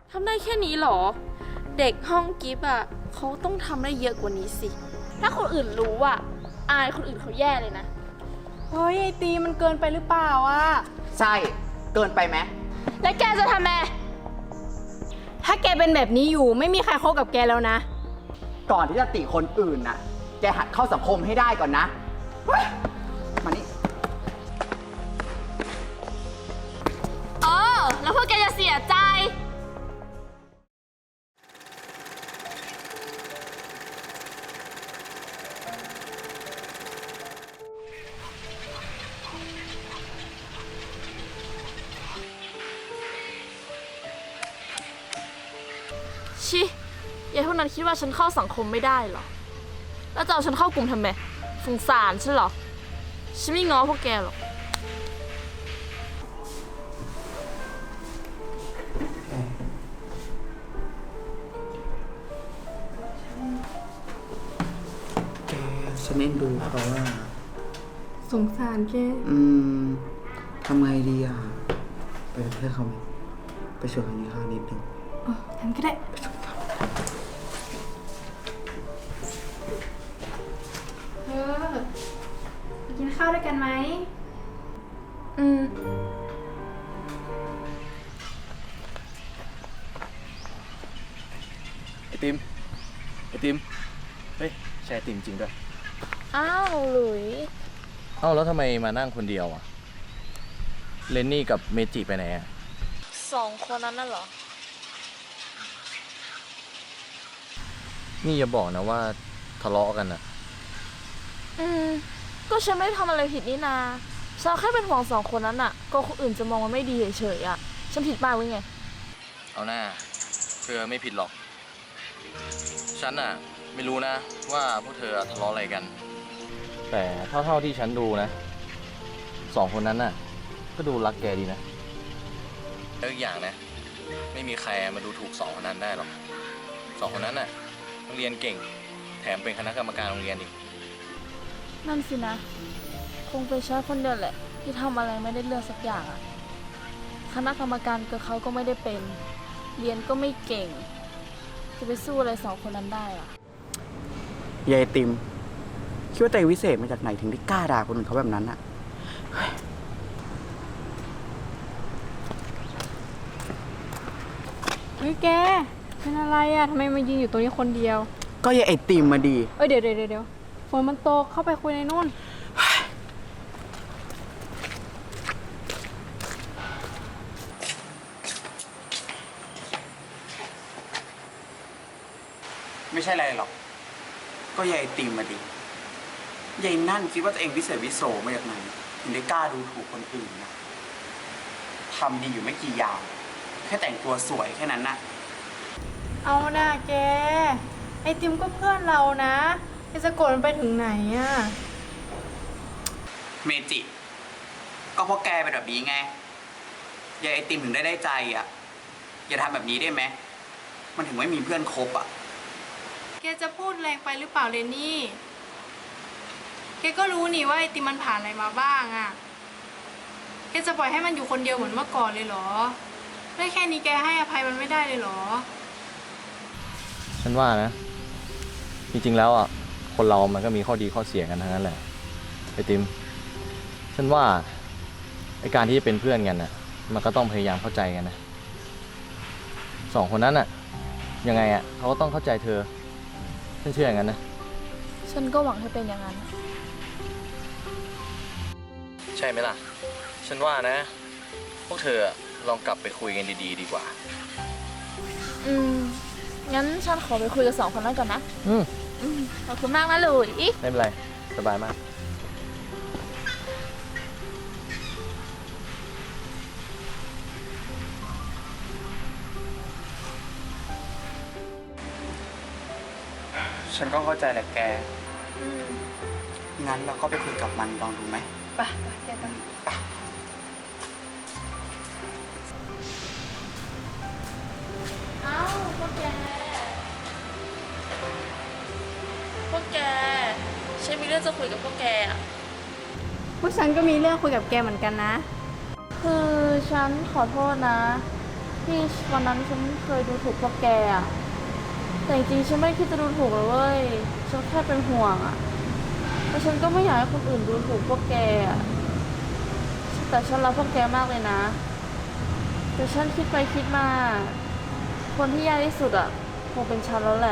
ทำได้แค่นี้หรอเด็กห้องกิฟต์อ่ะเขาต้องทำได้เยอะกว่านี้สิถ้าคนอื่นรู้อ่ะอายคนอื่นเขาแย่เลยนะเฮ้ยไอตีมันเกินไปหรือเปล่าอ่ะใช่เกินไปไหมแล้วแกจะทำไงถ้าแกเป็นแบบนี้อยู่ไม่มีใครคบกับแกแล้วนะก่อนที่จะติคนอื่นน่ะแกหัดเข้าสังคมให้ได้ก่อนนะมานี่แล้วพวกแกจะเสียใจชิยายพวกนั้นคิดว่าฉันเข้าสังคมไม่ได้เหรอแล้วจะเอาฉันเข้ากลุ่มทำไมสงสารฉันเหรอฉันไม่ง้อพวกแกหรอกแกฉันเอ็นดูเขาว่าสงสารแกทำไงดีอ่ะไปเป็นเพื่อนเขาไหมไปชวนเขากินข้าวนิดนึงทำก็ได้กินข้าวด้วยกันไหมไอติมเฮ้ยใช่ไอติมจริงด้วยอ้าวหลุยแล้วทำไมมานั่งคนเดียวอ่ะเลนนี่กับเมจิไปไหนอ่ะ 2 คนนั้นน่ะเหรอนี่อย่าบอกนะว่าทะเลาะกันอ่ะก็ฉันไม่ได้ทำอะไรผิดนี่นาฉันแค่เป็นห่วง2 คนนั้นน่ะก็คนอื่นจะมองว่าไม่ดีเฉยๆอ่ะฉันผิดบ้างหรือไงเอาหน้าเธอไม่ผิดหรอกฉันน่ะไม่รู้นะว่าพวกเธอทะเลาะอะไรกันแต่เท่าที่ฉันดูนะ2 คนนั้นน่ะก็ดูรักแกดีนะแล้วอีกอย่างนะไม่มีใครมาดูถูก2 คนนั้นได้หรอก2 คนนั้นน่ะเรียนเก่งแถมเป็นคณะกรรมการโรงเรียนอีกนั่นสินะคงเป็นฉันคนเดียวแหละที่ทำอะไรไม่ได้เรื่องสักอย่างอะคณะกรรมการกับเขาก็ไม่ได้เป็นเรียนก็ไม่เก่งจะไปสู้อะไร2 คนนั้นได้อะยายติมคิดว่าตัวเองวิเศษมาจากไหนถึงได้กล้าด่าคนอื่นเขาแบบนั้นอ่ะเฮ้ยแกเป็นอะไรอ่ะทำไมมายืนอยู่ตรงนี้คนเดียวก็ยายไอติมมาดีเดี๋ยวฝนมันตกเข้าไปคุยในนู่นไม่ใช่อะไรหรอกก็ยายไอติมมาดียายนั่นคิดว่าตัวเองวิเศษวิโสมาจากไหนถึงได้กล้าดูถูกคนอื่นนะทำดีอยู่ไม่กี่อย่างแค่แต่งตัวสวยแค่นั้นน่ะเอาหน้าแกไอติมก็เพื่อนเรานะจะโกรธมันไปถึงไหนอะเมจิก็เพราะแกเป็นแบบนี้ไงยายไอติมถึงได้ใจอ่ะอย่าทำแบบนี้ได้ไหมมันถึงไม่มีเพื่อนคบอ่ะแกจะพูดแรงไปหรือเปล่าเรนนี่แกก็รู้นี่ว่าไอติมมันผ่านอะไรมาบ้างอะแกจะปล่อยให้มันอยู่คนเดียวเหมือนเมื่อก่อนเลยเหรอได้แค่นี้แกให้อภัยมันไม่ได้เลยเหรอฉันว่านะจริงๆแล้วอ่ะคนเรามันก็มีข้อดีข้อเสียกันทั้งนั้นแหละไอติมฉันว่าไอการที่จะเป็นเพื่อนกันน่ะมันก็ต้องพยายามเข้าใจกันนะ2 คนนั้นน่ะยังไงอ่ะเขาก็ต้องเข้าใจเธอฉันเชื่ออย่างนั้นนะฉันก็หวังให้เป็นอย่างนั้นใช่ไหมล่ะฉันว่านะพวกเธอลองกลับไปคุยกันดีๆดีกว่างั้นฉันขอไปคุยกับ2 คนนั้นก่อนนะขอบคุณมากนะหลุยไม่เป็นไรสบายมากฉันก็เข้าใจแหละแกงั้นเราก็ไปคุยกับมันลองดูไหมไปแกกันพวกแกฉันมีเรื่องจะคุยกับพวกแกอ่ะพวกฉันก็มีเรื่องคุยกับแกเหมือนกันนะคือฉันขอโทษนะที่วันนั้นฉันเคยดูถูกพวกแกอะแต่จริงๆฉันไม่ได้คิดจะดูถูกเลยเว้ยฉันแค่เป็นห่วงอะแต่ฉันก็ไม่อยากให้คนอื่นดูถูกพวกแกอะแต่ฉันรักพวกแกมากเลยนะ แต่ฉันคิดไปคิดมา คนที่แย่ที่สุดอะคงเป็นฉันแล้วแหละ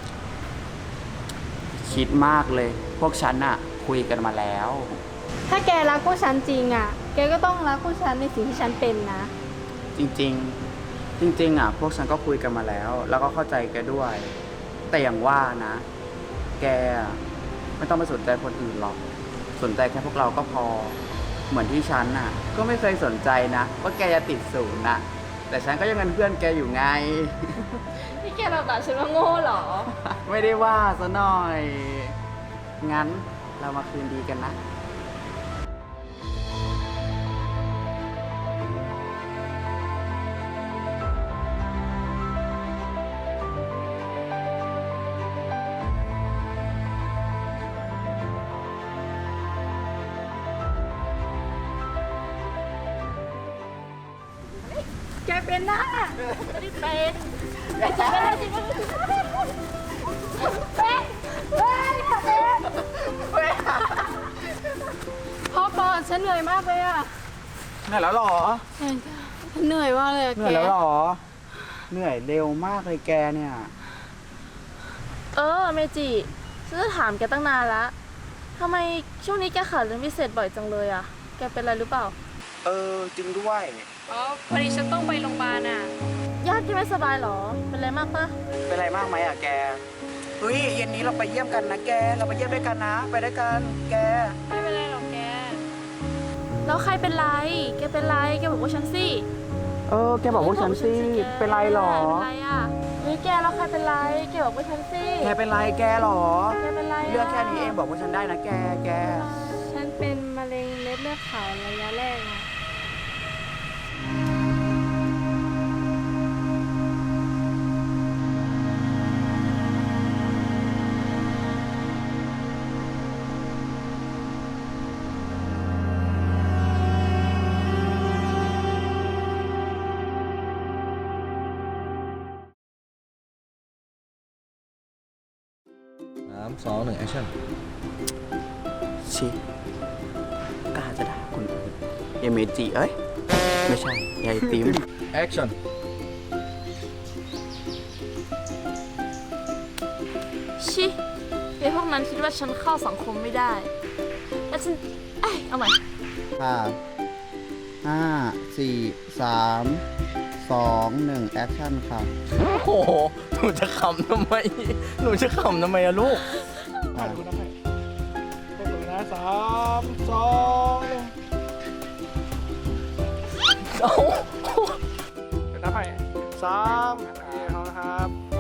คิดมากเลย พวกฉันอะคุยกันมาแล้วถ้าแกรักพวกฉันจริงอ่ะ แกก็ต้องรักพวกฉันในสิ่งที่ฉันเป็นนะจริงๆ จริงๆอะพวกฉันก็คุยกันมาแล้ว แล้วก็เข้าใจแกด้วย แต่อย่างว่านะ แกอะไม่ต้องไปสนใจคนอื่นหรอก สนใจแค่พวกเราก็พอ เหมือนที่ฉันน่ะ ก็ไม่เคยสนใจนะว่าแกจะติดศูนย์น่ะ แต่ฉันก็ยังเป็นเพื่อนแกอยู่ไงนี่แกเราด่าฉันว่าโง่เหรอไม่ได้ว่าซะหน่อย งั้นเรามาคืนดีกันนะแกเป็นนะไม่ได้เป็นไม่ใช่ไม่ได้จริงไม่ได้เป็นพ่อปอนฉันเหนื่อยมากเลยอ่ะเหนื่อยแล้วหรอฉันเหนื่อยมากเลยอะเหแกนื่อยแล้วหรอ เหนื่อยเร็วมากเลยแกเนี่ยเมจิฉันจะถามแกตั้งนานละทำไมช่วงนี้แกขาดเรียนพิเศษบ่อยจังเลยอะแกเป็นอะไรหรือเปล่าจริงด้วยอ๋อพอดีฉันต้องไปโรงพยาบาลอ่ะญาติแกไม่สบายเหรอ เป็นอะไรมากปะเป็นไรมากไหมอ่ะแก เฮ้ยเย็นนี้เราไปเยี่ยมกันนะแก เราไปเยี่ยมด้วยกันนะ ไปด้วยกัน แกไม่เป็นไรหรอกแกแล้วใครเป็นไร แกเป็นไร แกบอกว่าฉันสิแกบอกพวกฉันสิ เป็นไรหรอเป็นไรอะเฮ้ยแกแล้วใครเป็นไร แกบอกว่าฉันสิแกเป็นไรแกหรอแกเป็นไระเรื่องแค่นี้เองบอกว่าฉันได้นะแกฉันเป็นมะเร็งเม็ดเลือดขาวระยะแรกอะ 3 2 1 action ชิกล้าจะด่าคนอื่นยายเมจิเอ้ย ไม่ใช่ยายติม action ชิไอ้พวกนั้นคิดว่าฉันเข้าสังคมไม่ได้ แล้วฉันเอาใหม่ 5 4 3 2 1 แอคชั่นค่ะโอ้โห หนูจะขำทำไม หนูจะขำทำไมอะลูกดูนะให้ไปดูนะ3 2 1 เอาเดี๋ยวนับให้3เอาละครับ